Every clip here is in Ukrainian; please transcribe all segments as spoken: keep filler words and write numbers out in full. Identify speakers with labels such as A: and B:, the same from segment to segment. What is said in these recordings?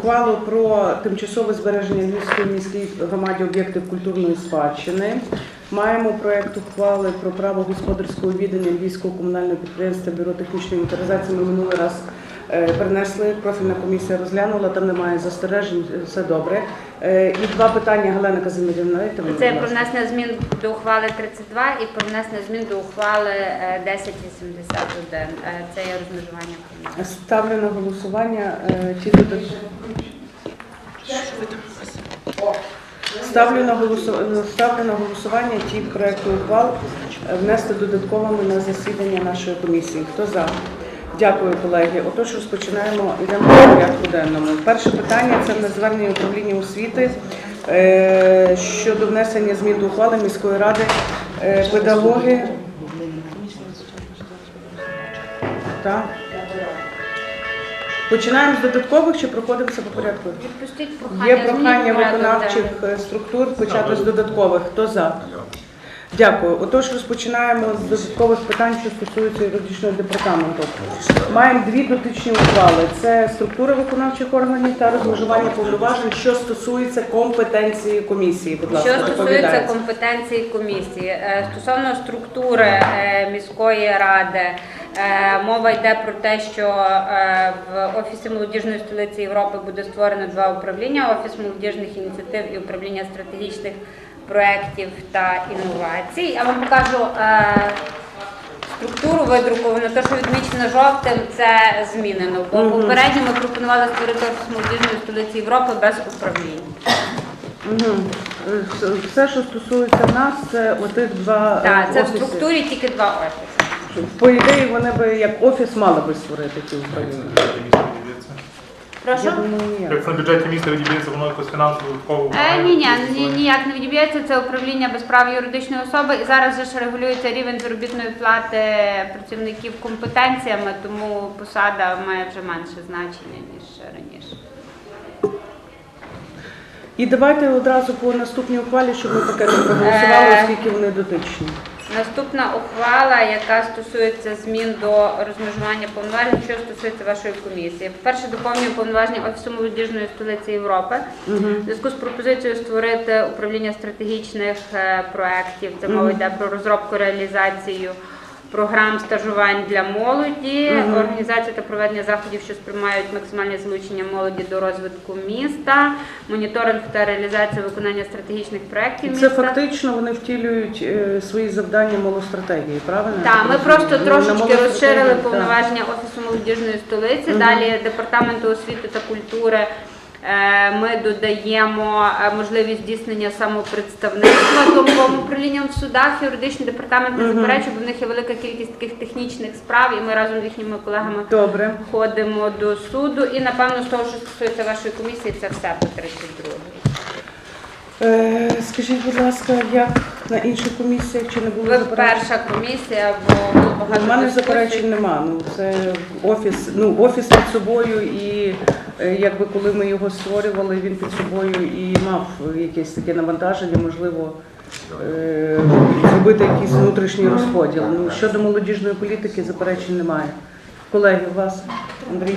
A: ухвалу про тимчасове збереження Львівської міській громаді об'єктів культурної спадщини. Маємо проєкт ухвали про право господарського відання Львівського комунального підприємства Бюро технічної інвентаризації. Ми минулий раз перенесли, профільна комісія розглянула, там немає застережень, все добре. І два питання, Галина Казимирівна.
B: Це про внесення змін до ухвали тридцять два і про внесення змін до ухвали десять вісімдесят один. Це є розмежування.
A: Ставлю на голосування ті додаткові. Ставлю на голосування, ставлю на голосування ті проекти ухвал внести додатковими на засідання нашої комісії. Хто за? Дякую, колеги. Отож, розпочинаємо, йдемо по порядку денному. Перше питання – це на звернення управління освіти е, щодо внесення змін до ухвали міської ради е, педагоги. Так. Починаємо з додаткових чи проходимося по порядку? Є прохання виконавчих структур почати з додаткових. Хто за? Дякую. Отож, розпочинаємо з додаткових питань, що стосуються юридичного департаменту. Маємо дві дотичні ухвали. Це структура виконавчих органів та розмежування повноважень, що стосується компетенції комісії. Будь ласка,
B: що стосується компетенції комісії. Стосовно структури міської ради, мова йде про те, що в Офісі молодіжної столиці Європи буде створено два управління – Офіс молодіжних ініціатив і управління стратегічних проєктів та інновацій. Я вам покажу е, структуру видруковану. Те, що відмічено жовтим, це змінено. Бо
A: Угу.
B: попередньо ми пропонували створити Офіс молодіжної столиці Європи без управління.
A: Угу. Все, що стосується нас, це отих два
B: Так, це
A: офіси.
B: в структурі тільки два офіси.
A: По ідеї, вони би як офіс мали би створити ті управління.
B: Прошу?
A: Я думаю, ні.
C: Якщо на бюджеті міста відіб'ється, воно якось фінансово додатково?
B: Е, ні, ні, ні, ніяк не відіб'ється. Це управління без права юридичної особи. І зараз же ж регулюється рівень заробітної плати працівників компетенціями, тому посада має вже менше значення, ніж раніше.
A: І давайте одразу по наступній ухвалі, щоб ми пакетом проголосували, оскільки вони дотичні.
B: Наступна ухвала, яка стосується змін до розмежування повноважень, що стосується вашої комісії. По-перше, доповнює повноваження Офісу молодіжної столиці Європи. Угу. В зв'язку з пропозицією створити управління стратегічних проєктів. Це мова йде про розробку, реалізацію програм стажувань для молоді, угу. організацію та проведення заходів, що сприймають максимальне залучення молоді до розвитку міста, моніторинг та реалізацію виконання стратегічних проєктів міста.
A: Це фактично вони втілюють е, свої завдання молостратегії, правильно?
B: Так, ми просто
A: ну,
B: трошечки розширили повноваження Офісу молодіжної столиці, угу. далі Департаменту освіти та культури. Ми додаємо можливість здійснення самопредставництва головним управлінням в судах. Юридичний департамент не заперечує, бо в них є велика кількість таких технічних справ, і ми разом з їхніми колегами
A: Добре.
B: ходимо до суду. І, напевно, з того, що стосується вашої комісії, це все по тридцять другій.
A: Е, скажіть, будь ласка, як на інших комісіях, чи не було
B: Ви
A: заперечень?
B: перша комісія, бо було багато
A: У мене
B: дискусій.
A: заперечень нема. Ну, це офіс, ну, офіс під собою, і е, якби коли ми його створювали, він під собою і мав якесь таке навантаження, можливо, е, зробити якийсь внутрішній розподіл. Ну, щодо молодіжної політики заперечень немає. Колеги, у вас, Андрій?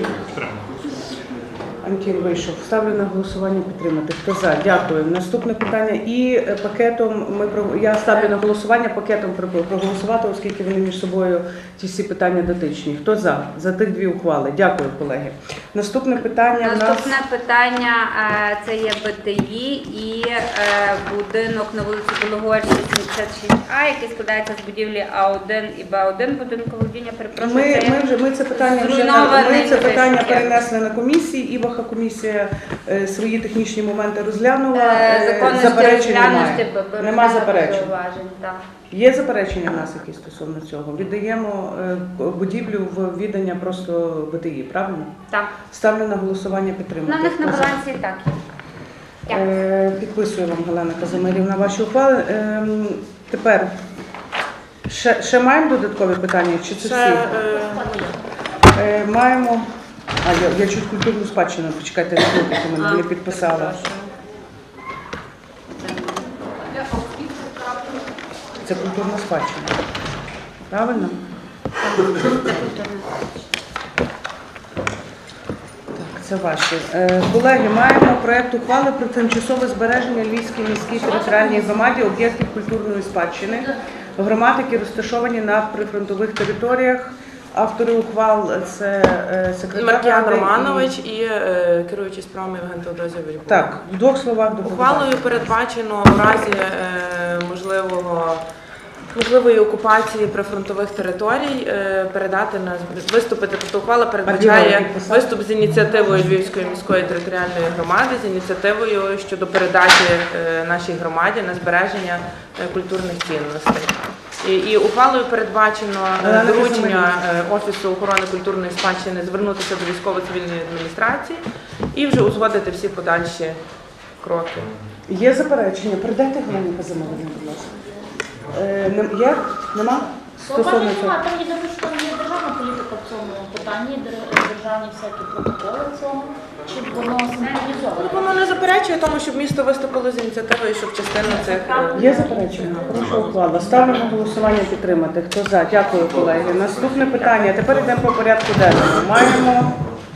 A: Антін вийшов. Ставлю на голосування підтримати. Хто за? Дякую. Наступне питання. І пакетом ми я ставлю на голосування пакетом проголосувати, оскільки вони між собою ті всі питання дотичні. Хто за? За тих дві ухвали. Дякую, колеги. Наступне питання.
B: Наступне
A: нас...
B: питання це є БТІ і будинок на вулиці Білогорській, сімдесят шість А, який складається з будівлі А один і Б один будинку володіння. Перепрошую,
A: Ми,
B: це
A: ми, вже, ми це питання вже на, ми це питання перенесли на комісії, і Ваха комісія е, свої технічні моменти розглянула. Е, заперечень немає. Нема заперечень.
B: Так.
A: Є заперечення в нас якісь стосовно цього? Віддаємо е, будівлю в віддання просто БТІ, правильно?
B: Так.
A: Ставлю на голосування підтримати.
B: На них на балансі так.
A: Е, підписую вам, Галина Казимирівна, ваші ухвали. Е, тепер, ще, ще маємо додаткові питання? Чи це всі? Е, е, маємо... А, я, я чуть культурну спадщину, почекайте, не мене не підписала. Це культурна спадщина. Правильно?
B: Це культурна спадщина.
A: Так, Це ваші. Е, Колеги, маємо проект ухвали про тимчасове збереження Львівській міській територіальній громаді об'єктів культурної спадщини, громад, які розташовані на прифронтових територіях. Автори ухвал – це е, секретар
D: Маркіян
A: Ради і-
D: Романович і е, керуючий справами Євген Теодозійович.
A: Так, в двох словах доповідайте.
D: Ухвалою передбачено в разі е, можливого можливої окупації прифронтових територій е, передати на виступити. Тобто ухвала передбачає виступ з ініціативою Львівської міської територіальної громади, з ініціативою щодо передачі е, нашій громаді на збереження е, культурних цінностей. І, і ухвалою передбачено е, доручення е, Офісу охорони культурної спадщини звернутися до військово-цивільної адміністрації і вже узгодити всі подальші кроки.
A: Є заперечення? Передайте Галині Казимовій, будь ласка. Е, нем- є? Нема? Стосовно
E: Слова
A: цього.
E: немає, там є дуже, що там є державна політика в цьому питанні, дер- державні всякі протоколи цього, чи воно синхронізовано?
D: Воно не заперечує тому, щоб місто виступило з ініціативою, щоб частину цих е,
A: Є заперечення? Прошу ухвалу. Ставлю на голосування підтримати. Хто за? Дякую, колеги. Наступне питання. Тепер йдемо по порядку денному. Маємо,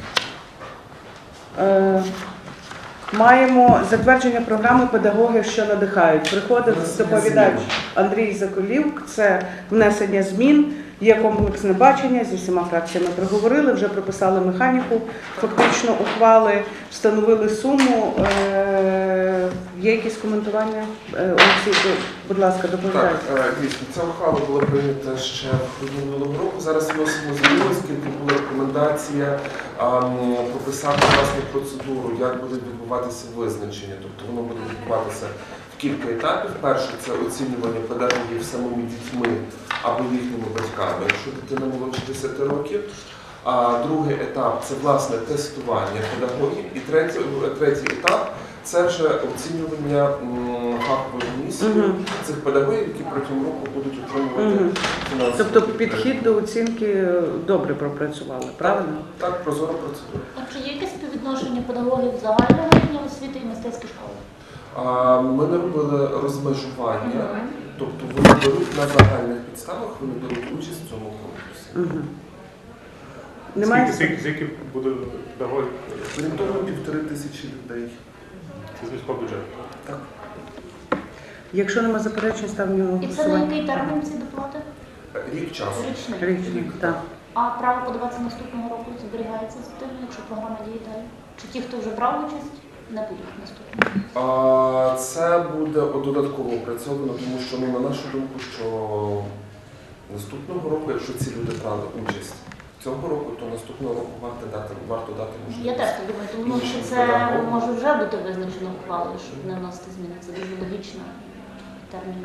A: е, маємо затвердження програми «Педагоги, що надихають». Приходить доповідач Андрій Заколівк. Це внесення змін. Є комплексне бачення, зі всіма фракціями проговорили, вже прописали механіку, фактично ухвали, встановили суму. Е, Є якісь коментування? Е, Олексій, будь ласка, доповідайте.
F: Так, е, дійсно, ця ухвала була прийнята ще в грудні минулого року. Зараз вносимо зміни, оскільки була рекомендація а, м, прописати власне процедуру, як буде відбуватися визначення. Тобто воно буде відбуватися в кілька етапів. Перше – це оцінювання педагогів самими дітьми або їхніми батьками, якщо дитина молодше десяти років. А другий етап – це власне тестування педагогів. І третій, третій етап – це вже оцінювання м, фаховою комісією
A: Мгм.
F: цих педагогів, які протягом року будуть отримувати
A: Мгм.
F: фінансову
A: Тобто
F: підтримку.
A: підхід до оцінки добре пропрацювали, правильно?
F: Так, прозора процедура.
E: А чи є якесь співвідношення педагогів загального рівня освіти і мистецьких школ?
F: А, Ми не робили розмежування, тобто вони беруть на загальних підставах, вони беруть участь в цьому конкурсі.
A: Угу. Немає?
C: Скільки, скільки, скільки буде педагогів?
F: Орієнтовно півтори тисячі людей.
C: Це з міського бюджету.
F: Так.
A: Якщо немає заперечень, ставлю на
E: І це на
A: голосування.
E: який термін ці доплати?
F: Рік часу.
E: Річний.
A: Річний, так.
E: А право подаватися наступного року зберігається за тим, якщо програма діє далі? Чи ті, хто вже брав участь, не будуть наступного?
F: А, Це буде додатково опрацьовано, тому що, ну, на нашу думку, що наступного року, якщо ці люди брали участь цього року, то наступного року варто дати, варто дати
E: Я
F: можливість.
E: теж так думаю, тому що
F: іншим
E: це
F: педагогам.
E: може вже бути визначено ухвалою, щоб не вносити зміни. Це дуже логічно термін.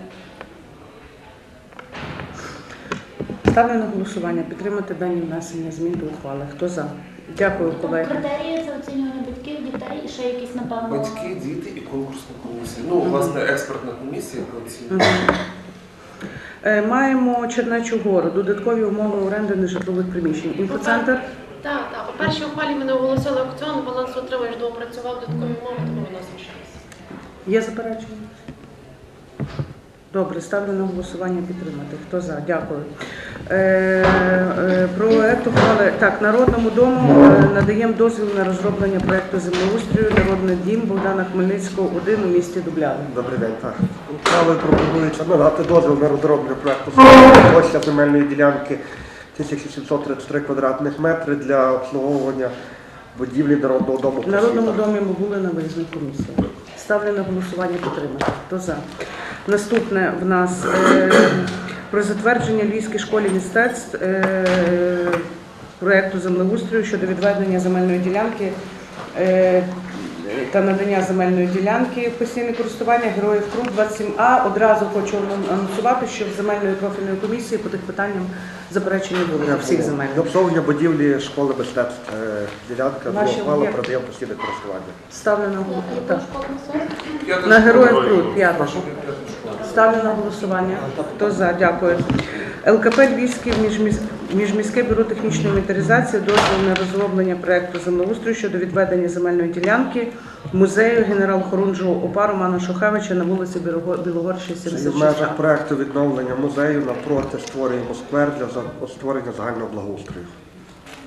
A: Ставлю на голосування підтримати дані внесення змін до ухвали. Хто за? Дякую, колеги.
E: Критерії це оцінювання батьків, дітей і ще якісь, напевно.
F: Батьки, діти і конкурсна комісія. Ну, власне, експертна комісія про оцінює.
A: Мгм. Е, Маємо Чернечу гору, додаткові умови оренди нежитлових приміщень. Інфоцентр.
G: Так, так. По першій ухвалі ми не оголосили аукціон, балансоутримувач доопрацював додаткові умови, тому виносимо ще раз.
A: Є заперечення? Добре, ставлю на голосування підтримати. Хто за? Дякую. Е, е, проект ухвали. Так, Народному дому е, надаємо дозвіл на розроблення проекту землеустрою «Народний дім» Богдана Хмельницького, один у місті Дубляни.
H: Добрий день, так. Ухвалою пропонується надати дозвіл на розроблення проекту площа земельної ділянки тисяча сімсот тридцять три квадратних метри для обслуговування будівлі Народного дому.
A: В Народному
H: «Просвіта».
A: домі ми були на виїзній комісії. Ставлю на голосування підтримати. Хто за? Наступне в нас е, про затвердження Львівській школі мистецтв е, проєкту землеустрою щодо відведення земельної ділянки е, та надання земельної ділянки в постійне користування Героїв Крут двадцять сім А. Одразу хочу анонсувати, що в земельної профільної комісії по тих питанням заперечень не було. Всіх
H: Для
A: земельних.
H: обслуговування будівлі школи мистецтв. Е, Ділянка
A: Наші
H: ухвалу
A: об'єкти.
H: продаємо постійне користування.
A: Ставлю на
E: Яку
A: голосування.
E: школу несе?
F: П'ята
A: На
F: школа.
A: Героїв Крут, п'ята.
F: Прошу, п'ята школа.
A: Ставлю на голосування. Хто за? Дякую. ЛКП Львівське міжміс- міжміське бюро технічної інвентаризації дозвіл на розроблення проекту землеустрою щодо відведення земельної ділянки музею генерал-хорунжого ОПА Романа Шухевича на вулиці Білого- Білогорщі,
H: Це і в
A: сімдесят шість
H: межах
A: А.
H: проекту відновлення музею напроти створюємо сквер для за- створення загального благоустрою.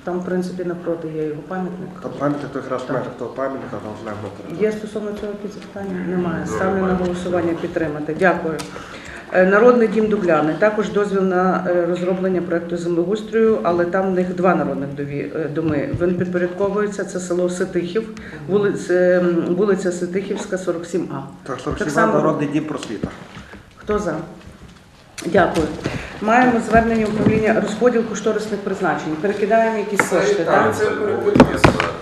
A: Там, в принципі, напроти є його пам'ятник.
H: Там пам'ятник, то якраз в межах того пам'ятника, там злегла територія.
A: Є стосовно цього якісь запитання? Немає. Ставлю на голосування підтримати. Дякую. Е, Народний дім Дубляни. Також дозвіл на е, розроблення проекту землеустрою, але там в них два народних дові- е, доми. Він підпорядковується, це село Ситихів, вулиця, ем, вулиця Ситихівська, сорок сім А.
H: Так, сорок
A: Так
H: сім
A: само-
H: народний дім просвіта.
A: Хто за? Дякую. Маємо звернення управління розподіл кошторисних призначень. Перекидаємо якісь
F: Це,
A: кошти,
F: так,
A: так?
F: це переводиться.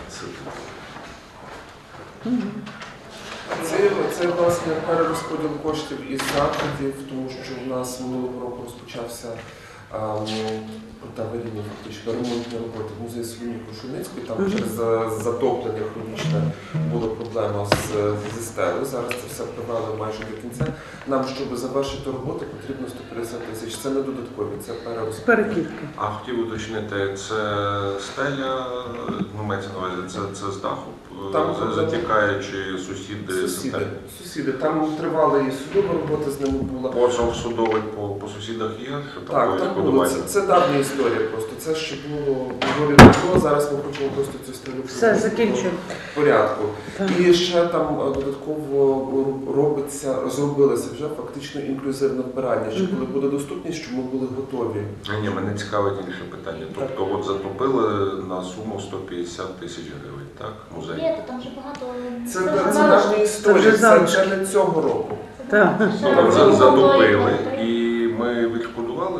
F: Це, це власне перерозподіл коштів із заходів, тому що в нас минулого року розпочався та вирівні фактично ремонтні роботи в музеї Соломії Крушельницької. Там через за- затоплення хронічне була проблема з, зі стелею. Зараз це все привели майже до кінця. Нам, щоб завершити роботу, потрібно сто п'ятдесят тисяч. Це не додаткові, це перерозподіл.
A: Перекидки.
I: А хотів уточнити, це стеля, ну мається на увазі, це, це з даху,
F: Там
I: за- затікає, чи сусіди?
F: Сусіди. Сусіди. Там тривала і судова робота з ними була.
I: Позов судовий по, по сусідах є? Що там
F: Так,
I: було
F: так було.
I: відшкодування?
F: Це, це давня історія просто. Це ще було доволі давно. Зараз ми хочемо просто цю історію
A: Все,
F: привести
A: закінчуємо.
F: в порядку.
A: Так.
F: І ще там е, додатково робиться, розробилося вже фактично інклюзивне вбирання, що коли буде доступність, щоб ми були готові.
I: Ні, ні, мене цікавить інше питання. Тобто от затопили на суму сто п'ятдесят тисяч гривень, так? Музей?
E: Ні, то там вже багато.
F: Це,
E: вже
F: це, це
E: залишки.
F: давня історія,
A: вже
F: це,
A: залишки.
F: це не цього року.
A: Так.
E: Ще
I: Там за-
E: ремонтуємо,
I: затопили
E: так?
I: і ми відшкодували?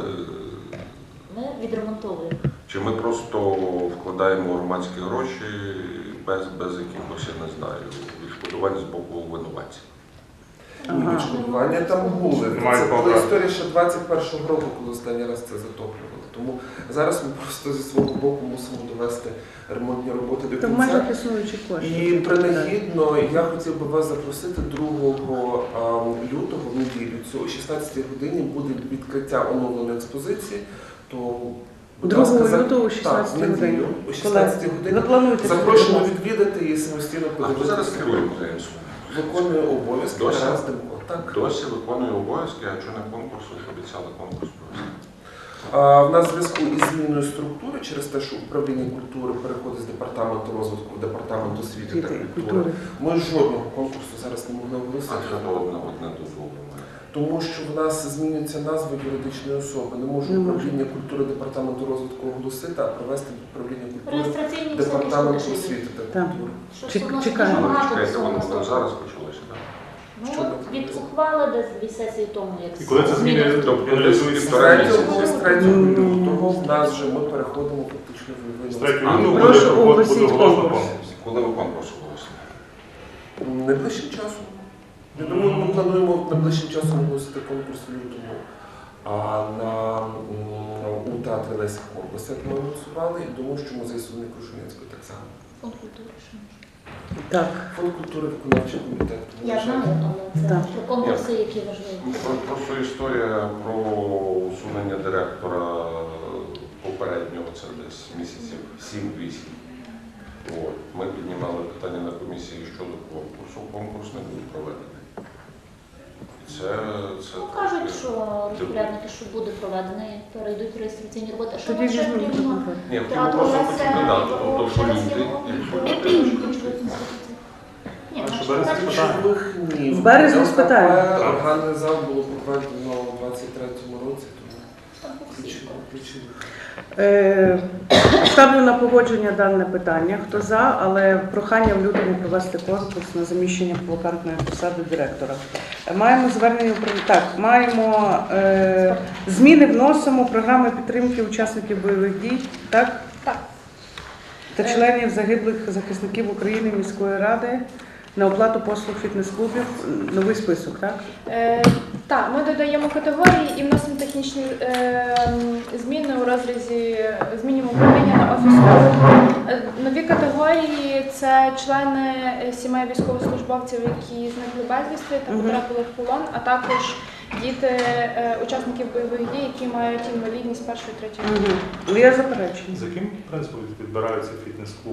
E: Ми відремонтовуємо.
I: Чи ми просто вкладаємо громадські гроші без, без якихось, я не знаю, відшкодувань з боку винуватців?
A: Ага.
F: Відшкодування там були.
C: Немає
F: Це була
C: права.
F: історія ще двадцять першого року, коли останній раз це затоплювали. Тому зараз ми просто зі свого боку мусимо довести ремонтні роботи до
A: То в межах
F: кінця.
A: існуючих коштів.
F: І принагідно я хотів би вас запросити другого ам, лютого в неділю. Цього о шістнадцятій годині буде відкриття оновленої експозиції. То, будь ласка,
A: другого
F: за-
A: лютого о
F: так,
A: шістнадцятій
F: в неділю,
A: годині.
F: о шістнадцятій
A: Ви
F: годині.
A: плануєте?
F: Запрошено
A: собі,
F: відвідати і самостійно
I: А хто зараз
F: подивитися.
I: керує музеєм?
F: Виконує обов'язки
I: Досі?
F: Тарас Демко. Так.
I: Досі виконує обов'язки, а що на конкурсу обіцяли конкурс провести?
F: А, В нас в зв'язку із зміною структури через те, що управління культури переходить з департаменту розвитку в департамент освіти та
A: Освіти і
F: культури.
A: культури.
F: Ми жодного конкурсу зараз не могли
I: А
F: оголосити.
I: хто одне одне дозволено?
F: Тому що в нас змінюється назва юридичної особи. Не може
A: Не може.
F: управління культури департаменту розвитку оголосити, а провести управління культури
E: Реєстраційні всі
F: департаменту
E: рішення.
F: освіти та
A: Так.
F: культури.
E: Що
A: Чек-
E: воно
A: чекаємо.
E: дуже багато
I: Чекайте,
E: всього
I: воно воно
E: наступного.
I: зараз почалося, так?
E: Ну,
F: Що
E: от від ухвали десь дві сесії тому, як
C: І коли це зміни,
I: Тобто
C: реалізується
F: З
C: з
F: третього, з третього
A: Ні.
F: лютого в нас вже ми переходимо фактично в
C: З
F: новий
C: третього
I: А,
C: лютого
A: прошу
C: буде
A: оголосіть
C: буде оголошено
A: конкурс.
C: конкурс.
I: Коли ви конкурс оголосили?
F: Найближчим часом. Я думаю, ми плануємо найближчим часом оголосити конкурс в лютому. А на м, у театрі Лесі Корпус, як ми голосували, і думаю, що музей Соломії Крушельницької так само.
E: фонд культури. ще може.
A: Так.
F: Фонд культури, виконавчий комітет.
E: Я знаю, але це
A: Так.
E: про конкурси, які важливі.
I: Ну, про- Просто історія про усунення директора попереднього, це десь місяців сім-вісім. От. Ми піднімали питання на комісії щодо конкурсу. Конкурс не був проведений. І це, це
E: Ну, кажуть,
I: трошки-
E: що розпорядники, що буде проведений, перейдуть реєстраційні роботи. А що
A: Тоді
E: нам ще
A: візьмемо
E: потрібно?
A: конкурс.
I: Ні, хотів
E: Театр
I: просто
E: Леся,
I: хотіти додати, тобто, що
E: через
I: люди,
E: його
I: якщо
E: ключових інституцій. Ні,
C: А
E: ну,
C: що
E: що
C: березні
E: кажуть,
C: питання?
F: Ключових ні.
A: В березні спитаємо.
F: ЛКП, Органний зал було проведено у двадцять третьому році, тому
E: там по всіх
F: ключових. ключових.
A: Е, Ставлю на погодження дане питання. Хто за, але прохання в лютому провести конкурс на заміщення вакантної посади директора. Е, Маємо звернення управління. Так, маємо е, зміни, вносимо програми підтримки учасників бойових дій, так?
J: Так.
A: Та членів загиблих захисників України міської ради на оплату послуг фітнес-клубів. Новий список, так?
J: Е, так, ми додаємо категорії і вносимо технічні е, зміни у розрізі змінюємо управління на офісу. Е, нові категорії це члени сімей військовослужбовців, які зникли безвісти та
A: Мгм.
J: потрапили в полон, а також діти е, учасників бойових дій, які мають інвалідність першої третьої.
A: Угу. Є заперечення.
C: За яким принципом відбираються фітнес-клуби?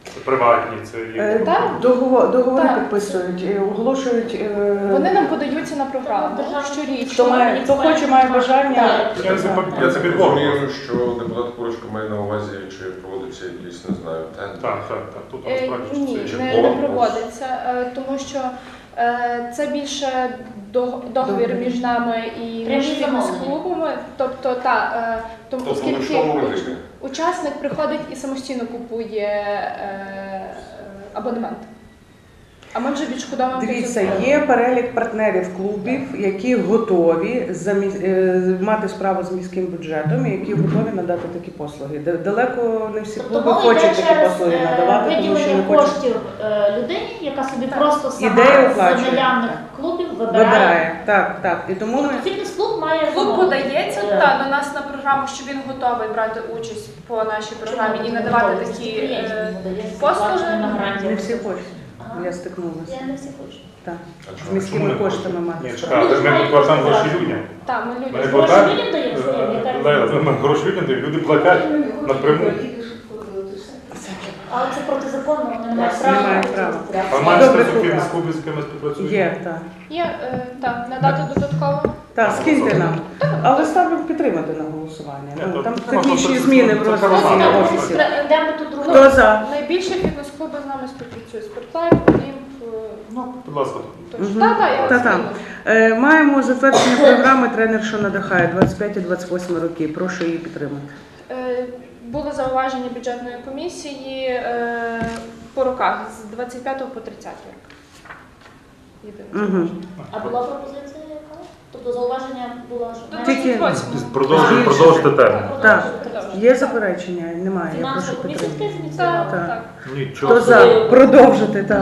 C: Це приватні, це
A: Е,
C: є.
J: Так.
A: Договор, договори
J: Так.
A: підписують, е, оголошують. е,
J: Вони нам подаються на програму
A: Хто,
J: щорічно.
A: має, хто хоче, має бажання.
C: Я це
A: Так.
C: Я це підвожу.
I: Розумію, що депутат Курочка має на увазі, чи проводиться якийсь, не знаю, тендер.
C: Так, так, так. Тут
J: Е,
C: насправді
J: Ні,
C: це
I: чи
J: не, не
I: конкурс?
J: проводиться, е, тому що е, це більше до- договір між нами і
E: Прямі
J: між
E: замовлення.
J: клубами. Тобто, та, е, тому,
I: Тобто в
J: оскільки
I: ручному
J: уч-
I: режимі.
J: учасник приходить і самостійно купує е, абонемент. А ми вже відшкодовуємо.
A: Дивіться,
J: потім.
A: є перелік партнерів клубів, які готові за міс- е, мати справу з міським бюджетом і які готові надати такі послуги. Д- Далеко не всі
E: Тобто
A: клуби
E: мова йде
A: хочуть такі
E: через
A: послуги
E: е,
A: надавати, тому що
E: виділення
A: не хочуть.
E: коштів е, людині, яка собі
J: Так.
E: просто сама
A: Ідею
E: з
A: оплачує.
E: наявних клубів вибирає.
A: Вибирає. Так, так. І тому ми
E: Тобто фітнес-клуб має
J: Клуб
E: замовити.
J: подається
E: Е,
J: та, до нас на програму, що він готовий брати участь по нашій програмі і надавати такі е, послуги.
A: не всі хочуть. Я стикнулася.
E: Я не всі хочу.
A: Так.
I: А
A: З
I: чому?
A: міськими
C: Чому не
A: коштами
C: Ні,
A: мати.
C: чекай, але ми платимо гроші людям.
J: Та, ми
C: Ми не
J: люди.
E: Гроші
C: платимо.
E: людям даємо,
C: Е,
E: яка
C: Лейла, ми гроші людям даємо, люди платять напряму.
E: Але це протизаконно, вони не мають
A: Немає
E: права.
A: права.
C: А маєш
A: Добре,
C: специфіки
A: Куба.
C: з клубів, з ким ми співпрацюємо?
A: Є, так.
J: Є, е, так, надати додатково.
A: Так, скиньте нам. Але ставлю підтримати на голосування.
C: Ні,
A: Ну,
C: то
A: там
C: підтримати,
A: технічні
C: це-
A: зміни
C: це
A: в розгляді
C: програма.
A: на
C: Ага.
A: офісі.
E: Де ми тут другу?
A: Хто за?
J: Найбільше фітнес-клуби з нами співпрацюють. Спортлайф, Олімп. е,
E: Ну,
C: Будь ласка.
J: Точно.
A: Мгм.
J: Так, так, я
A: Та-та.
J: скину.
A: Е, Маємо затвердження програми «Тренер, що надихає» двадцять п'ять двадцять восьм роки. Прошу її підтримати.
J: Е, Були зауваження бюджетної комісії е, по роках з двадцять п'ятого по тридцятий рік. Єдине
A: Мгм.
J: зауваження.
E: а була пропозиція яка? Тобто зауваження було, що
J: До
A: Тільки-
J: двадцять восьмого.
C: Продовжуй, продовжити термін.
A: Так. Є заперечення? Немає. Я прошу
E: фінансова комісія
A: підтримати.
E: таке зініціювала?
J: Так, так.
C: Нічого.
A: Хто за? Продовжити, так.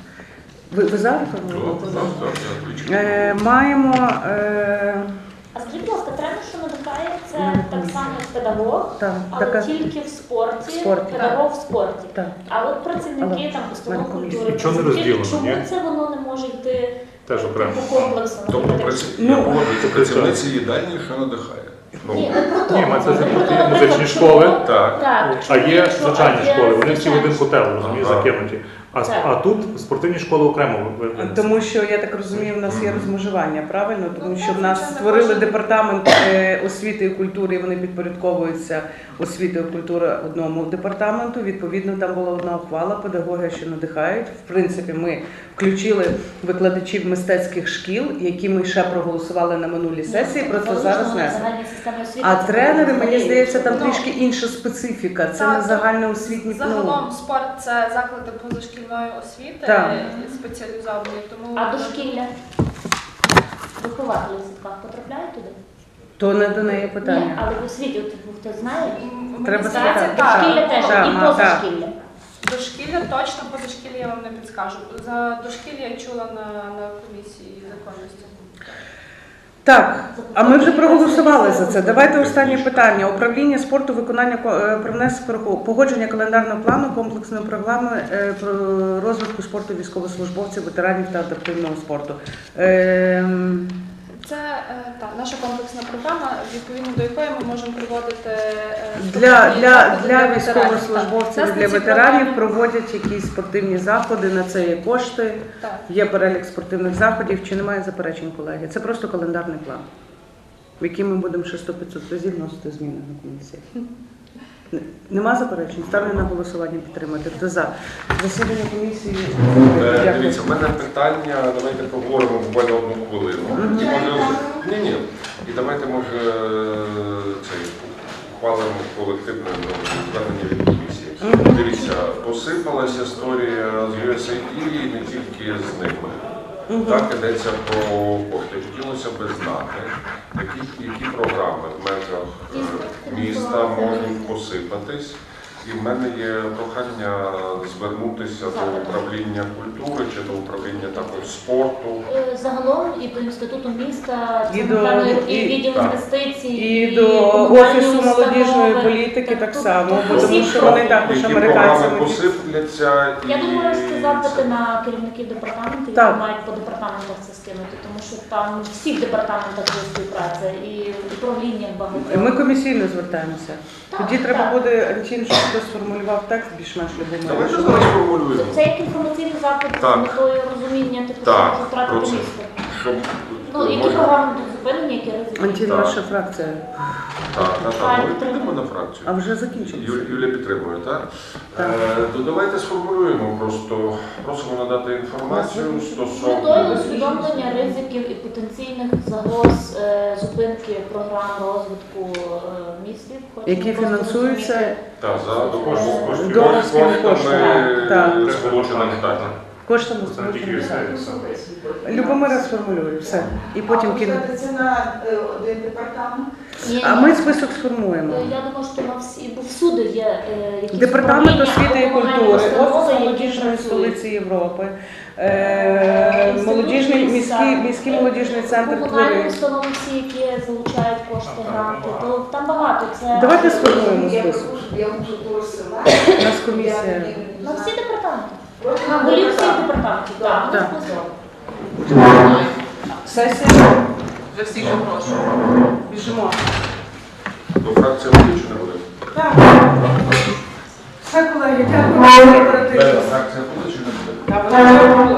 A: Ви, ви за?
I: Так, так, так, отлично.
A: Е, Маємо... Е,
E: А скажіть, будь ласка, тренер, що надихає, це так само як педагог,
A: так,
E: але
A: така...
E: тільки в спорті,
A: В спорті.
E: педагог в спорті.
A: Так.
E: А от працівники там установ
A: Мене комісія.
E: культури,
C: Нічого не
E: працівники,
C: розділено,
E: чому
C: ні?
E: це воно не може йти
C: Теж окремо.
E: по комплексу?
I: Тобто
E: наприклад?
I: праці-
A: Ну,
I: я погоджуюся, працівниці їдальні, що надихає. Ну,
E: Ні, не про то.
C: Ні, ми це вже
E: Про
C: про
E: то,
C: ті
E: наприклад,
C: музичні
E: чому-
C: школи.
I: так.
E: Так,
C: А є
E: якщо-
C: звичайні
E: а є
C: школи, вони всі в один
E: звичайні
C: котел, розумієш,
I: Ага.
C: закинуті. А,
E: Так.
C: а тут спортивні школи окремо винесені.
A: Тому що, я так розумію, в нас є розмежування, правильно? Тому що в нас
J: Ну, так,
A: створили
J: звичайно,
A: департамент е, освіти і культури, і вони підпорядковуються освіти і культури одному департаменту. Відповідно, там була одна ухвала, педагоги, що надихають. В принципі, ми включили викладачів мистецьких шкіл, які ми ще проголосували на минулій сесії,
E: Ні,
A: просто
E: залишено
A: зараз
E: на
A: не.
E: загальній системі освіти,
A: А
E: це
A: тренери, мені
E: взагалі-
A: здається, там
J: Ну,
A: трішки інша специфіка. Це
J: так,
A: не загальноосвітні
J: Загалом спорт це заклади позашкільної освіти,
A: Так.
J: спеціалізовані. Тому
E: А дошкілля? Вихователі в садках потрапляють туди?
A: То не до неї
E: Ні,
A: питання.
E: але в освіті, от, хто знає,
J: Мені
A: Треба
J: здається,
A: спитати.
J: так.
E: дошкілля теж
A: Так,
E: і
A: ма, так.
E: позашкілля.
J: Дошкілля точно, позашкілля я вам не підскажу. За дошкілля я чула на, на комісії законності.
A: Так, а ми вже проголосували за це. Давайте останнє питання. Управління спорту, виконання ко- е, про внесення погодження календарного плану комплексної програми е, про розвитку спорту військовослужбовців, ветеранів та адаптивного спорту. Ем,
J: Це е, та, наша комплексна програма, відповідно до якої ми можемо проводити е,
A: Для,
J: спортивні
A: для,
J: заходи
A: для
J: ветеранів.
A: військовослужбовців
J: Так.
A: і для
J: Нас на ці
A: ветеранів
J: програми-
A: проводять якісь спортивні заходи, на це є кошти,
J: Так.
A: є перелік спортивних заходів. Чи немає заперечень, колеги? Це просто календарний план, в який ми будемо ще сто-п'ятсот разів вносити зміни на комісії. Н- Нема заперечень? Ставлю на голосування підтримати. Хто за? Засідання комісії.
I: Е,
A: Дякую.
I: Дивіться, в мене питання, давайте поговоримо буквально одну хвилину. І може, ні, ні. І давайте, може, цей ухвалимо колективне ну, звернення від комісії. Дивіться, посипалася історія з ю ес ей ді і не тільки з ними. Так, йдеться про кошти. Хотілося б знати, які, які програми в межах е, міста можуть посипатись. І в мене є прохання звернутися до управління культури чи до управління також спорту.
E: Е, Загалом і до інституту міста,
A: І
E: це,
A: до-
E: напевно, і
A: і-
E: відділ
I: так.
E: інвестицій,
A: І до
E: комунальні
A: Офісу молодіжної
E: установи.
A: політики так само, бо
E: Усі
A: тому що вони також
I: Які
A: американцями.
I: програми посипляться і
E: Я думаю, що писали запити на керівників департаментів,
A: Так.
E: які мають по департаментах це скинути, тому що там в всіх департаментах є співпраця і в управліннях багато.
A: Ми комісійно звертаємося.
E: Так,
A: Тоді треба
E: так.
A: буде, Антін, щоб хтось сформулював текст більш-менш любимий.
I: Давайте зараз формулюємо.
E: Це як інформаційний запит
I: Так.
E: з метою розуміння, типу,
I: Так,
E: що може втратити
I: про це.
E: місто.
I: Щоб
E: Ну, які
I: може-
E: програми будуть зупинені, які ризики.
A: Антін,
I: Так.
A: ваша фракція.
I: Так, так,
E: Хай
I: так. Ми
E: підтримує.
I: підемо на фракцію.
A: А вже закінчилося.
I: Ю- Юлія підтримує, так?
A: Так.
I: Е, то давайте сформулюємо просто. Просимо надати інформацію
E: З метою
I: стосовно.
E: усвідомлення ризиків і потенційних загроз е, зупинки програм розвитку е, містів. Хочемо
A: Які
E: просто
A: фінансуються
E: розуміти,
I: Так, за до коштів коштів
A: Донорськими коштами.
I: коштами
A: Так.
I: сполучених Штатів.
A: Коштами
C: Це не тільки
A: сполучених
C: все.
A: Штатів. Любомира сформулює, все. І потім кине.
K: Це на е, один департамент.
E: Ні,
A: А
E: ні.
A: ми список сформуємо.
E: Е, Я думаю, що на всі, бо всюди є е, якісь
A: Департамент
E: управління
A: освіти і
E: або комунальні
A: культури,
E: установи,
A: Офіс
E: які
A: молодіжної
E: працюють.
A: столиці Європи, е,
E: Інститут
A: молодіжний,
E: міста.
A: міський, міський молодіжний центр
E: Комунальні
A: твори.
E: установи всі, які залучають кошти, гранти, то там багато. Це
A: Давайте сформуємо
K: Я
A: список.
K: прошу, я можу порозсилати.
A: У нас комісія.
E: на всі департаменти. На голів всіх департаментів. Так,
A: Так.
E: так.
A: Сесія.
D: Вже всіх запрошую.
A: Біжимо.
I: До фракції буде чи не буде?
A: Так. Все, колеги, дякую.
I: Фракція буде чи не буде?
A: Та вона вже була.